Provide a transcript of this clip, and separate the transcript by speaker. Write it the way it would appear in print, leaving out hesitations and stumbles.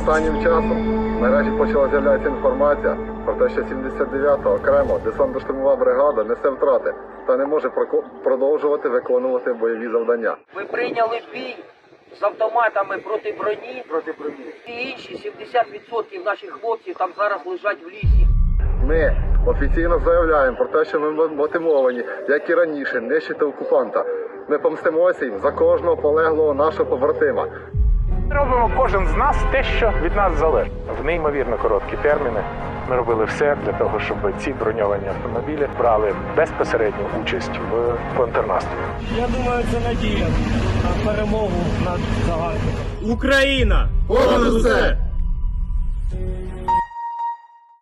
Speaker 1: Останнім часом в мережі почала з'являтися інформація про те, що 79-та окремо десантно-штурмова бригада несе втрати та не може продовжувати виконувати бойові завдання.
Speaker 2: Ми прийняли бій з автоматами проти броні. І інші 70% наших хлопців там зараз лежать в лісі.
Speaker 1: Ми офіційно заявляємо про те, що ми мотивовані, як і раніше, нищити окупанта. Ми помстимося їм за кожного полеглого нашого побратима.
Speaker 3: Робимо кожен з нас те, що від нас залежить. В неймовірно короткі терміни ми робили все для того, щоб ці броньовані автомобілі брали безпосередню участь в контрнаступі.
Speaker 4: Я думаю, це надія на перемогу над загарбником.
Speaker 5: Україна! Понад усе!